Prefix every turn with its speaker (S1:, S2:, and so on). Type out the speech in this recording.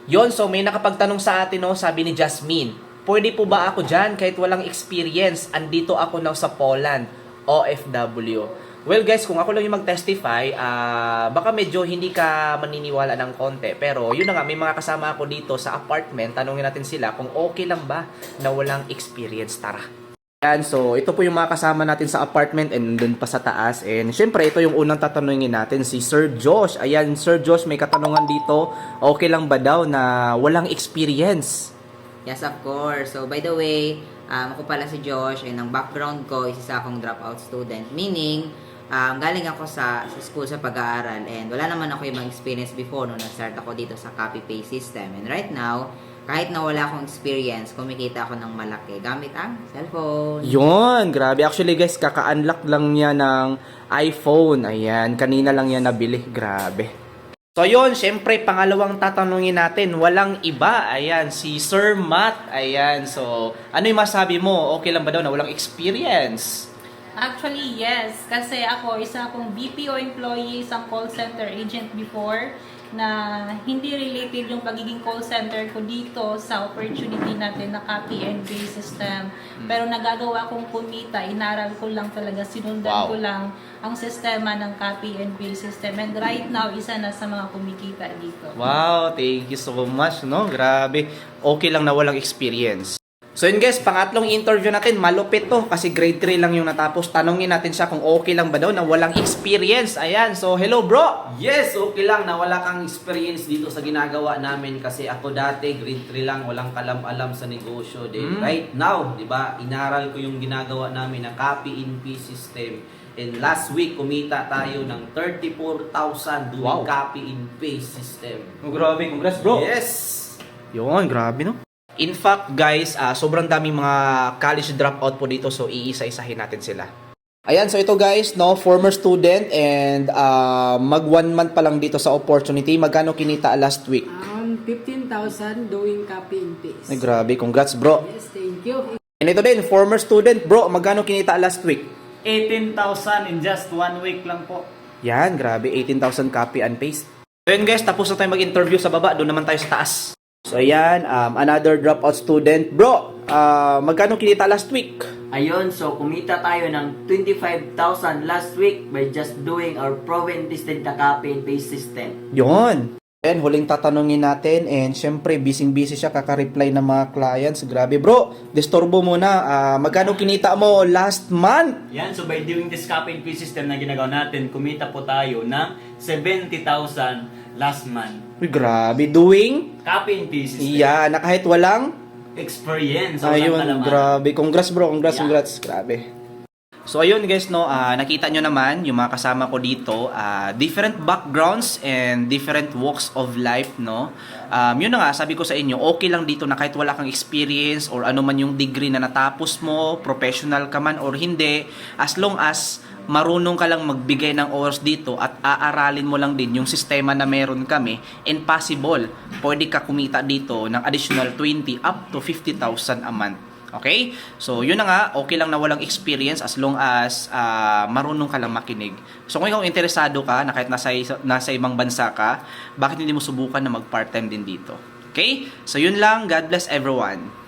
S1: Yon, so may nakapagtanong sa atin, no, sabi ni Jasmine, pwede po ba ako dyan kahit walang experience? Andito ako na sa Poland, OFW. Well guys, kung ako lang yung mag-testify, baka medyo hindi ka maniniwala ng konti. Pero yun na nga, may mga kasama ako dito sa apartment. Tanungin natin sila kung okay lang ba na walang experience. Tara. Yan, so ito po yung mga kasama natin sa apartment and dun pa sa taas. And syempre, ito yung unang tatanungin natin, si Sir Josh. Ayan, Sir Josh, may katanungan dito. Okay lang ba daw na walang experience?
S2: Yes, of course. So, by the way, ako pala si Josh and ang background ko is isa akong dropout student. Meaning, galing ako sa school sa pag-aaral and wala naman ako ibang experience before nung nag-start ako dito sa copy-paste system. And right now, kahit na wala akong experience, kumikita ako ng malaki gamit ang cellphone.
S1: Yun, grabe. Actually guys, kaka-unlock lang niya ng iPhone. Ayan, kanina lang yan nabili. Grabe. So yun, syempre, pangalawang tatanungin natin, walang iba. Ayan, si Sir Matt. Ayan, so ano yung masabi mo? Okay lang ba daw na walang experience?
S3: Actually, yes. Kasi ako, isa akong BPO employee, isang call center agent before, na hindi related yung pagiging call center ko dito sa opportunity natin na copy and paste system. Pero nagagawa kong kumita, inaral ko lang talaga, sinundan ko lang ang sistema ng copy and paste system. And right now, isa na sa mga kumikita dito.
S1: Wow, thank you so much, no? Grabe. Okay lang na walang experience. So yun guys, pangatlong interview natin, malupit to kasi grade 3 lang yung natapos. Tanongin natin siya kung okay lang ba daw na walang experience. Ayan, so hello bro!
S4: Yes, okay lang na wala kang experience dito sa ginagawa namin kasi ako dati grade 3 lang, walang kalam-alam sa negosyo din. Right now, 'di ba? Inaral ko yung ginagawa namin na copy and paste system. And last week kumita tayo ng 34,000 doing copy and paste system.
S1: Oh, grabe, congrats bro!
S4: Yes.
S1: Yun, grabe no? In fact, guys, sobrang daming mga college dropout po dito, so iisa-isahin natin sila. Ayan, so ito guys, no, former student and mag 1 month pa lang dito sa opportunity. Magkano kinita last week?
S5: 15,000 doing copy and paste.
S1: Ay, grabe, congrats bro.
S5: Yes, thank you.
S1: And ito din, former student, bro, magkano kinita last week?
S6: 18,000 in just 1 week lang po.
S1: Yan, grabe, 18,000 copy and paste. So yun guys, tapos na tayo mag-interview sa baba, doon naman tayo sa taas. So ayan, another dropout student. Bro, magkano kinita last week?
S7: Ayun, so kumita tayo ng 25,000 last week by just doing our proven tested na copy and paste system.
S1: Yon. And huling tatanungin natin and syempre busy-busy siya kaka-reply ng mga clients. Grabe bro, disturbo muna. Magkano kinita mo last month?
S6: Yan, so by doing this copy and paste system na ginagawa natin, kumita po tayo ng 70,000 last month.
S1: Uy, grabe. Doing?
S6: Copy and paste system.
S1: Yeah, na kahit walang?
S6: Experience. So
S1: Ayun,
S6: walang kalaman.
S1: grabe. Congrats bro, congrats,
S6: Yeah.
S1: congrats. Grabe. So ayun guys, no, nakita nyo naman yung mga kasama ko dito, different backgrounds and different walks of life, no. Yun na nga, sabi ko sa inyo, okay lang dito na kahit wala kang experience or ano man yung degree na natapos mo, professional ka man or hindi, as long as marunong ka lang magbigay ng oras dito at aaralin mo lang din yung sistema na meron kami, and possible, pwede ka kumita dito ng additional 20 up to 50,000 a month. Okay? So, yun na nga, okay lang na walang experience as long as marunong ka lang makinig. So, kung ikaw interesado ka, na kahit nasa ibang bansa ka, bakit hindi mo subukan na mag-part-time din dito? Okay? So, yun lang. God bless everyone.